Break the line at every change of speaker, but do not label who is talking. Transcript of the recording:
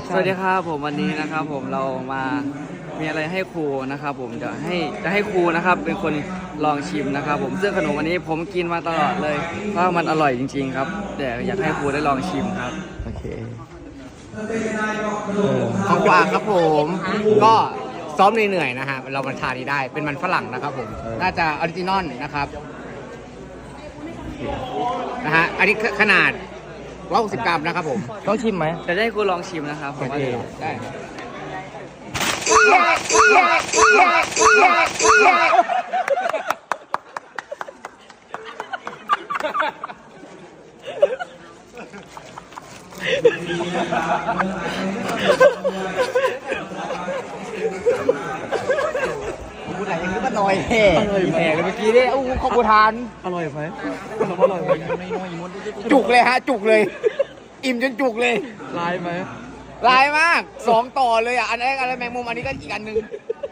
สวัสดีครับผมวันนี้นะครับผมเรามามีอะไรให้ครูนะครับผมจะให้ครูนะครับเป็นคนลองชิมนะครับผมซึ่งขนมวันนี้ผมกินมาตลอดเลยเพราะมันอร่อยจริงๆครับแต่อยากให้ครูได้ลองชิมครับโอเค
ของกว่าครับผมก็ซ้อมเหนื่อยๆนะฮะเรามาทานนี้ได้เป็นมันฝรั่งนะครับผมน่าจะออริจินอลนะครับนะฮะอันนี้ขนาด160 กรัมนะครับผม
ต้องชิมไหมจะให้ครูลองชิมนะครับผมว่า
ได้กูไหนยังนึกว่าลอยแห่แห่เลยเมื่อกี้เนี่ยอู้ขอบคุณทาน
อร่อยไหมอร่อยไหม
จุกเลยฮะจุกเลย อิ่มจนจุกเลย
ลายไหม
ลายมาก2 ต่อเลยอ่ะอันแรกอะไรแมงมุมอันนี้ก็อีกอันหนึง